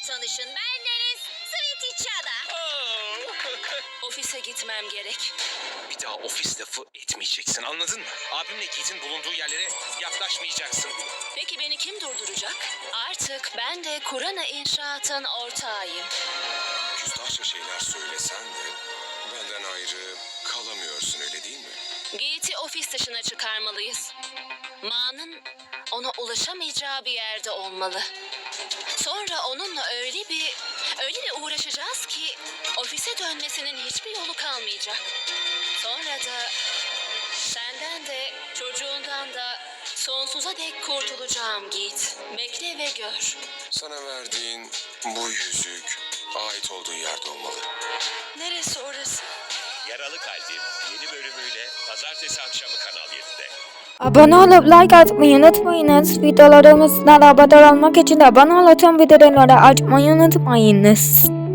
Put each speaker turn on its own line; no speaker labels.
tanışın. Ben Deniz Sweetie.
Ofise gitmem gerek.
Bir daha ofis lafı etmeyeceksin, anladın mı? Abimle Yiğit'in bulunduğu yerlere yaklaşmayacaksın bile.
Peki beni kim durduracak? Artık ben de Kurana İnşaat'ın ortağıyım.
Küstahça şeyler söylesen de benden ayrı kalamıyorsun, öyle değil mi?
Yiğit'i ofis dışına çıkarmalıyız. Ma'nın ona ulaşamayacağı bir yerde olmalı. Sonra onunla öyle bir uğraşacağız ki ofise dönmesinin hiçbir yolu kalmayacak. Sonra da senden de çocuğundan da sonsuza dek kurtulacağım Yiğit. Bekle ve gör.
Sana verdiğin bu yüzük ait olduğu yerde olmalı.
Neresi orası?
Yaralı Kalbim yeni bölümüyle pazartesi akşamı Kanal 7'de.
Abone olup like atmayı unutmayınız. Videolarımızdan haberdar olmak için de abone olup tüm bildirimleri açmayı unutmayınız.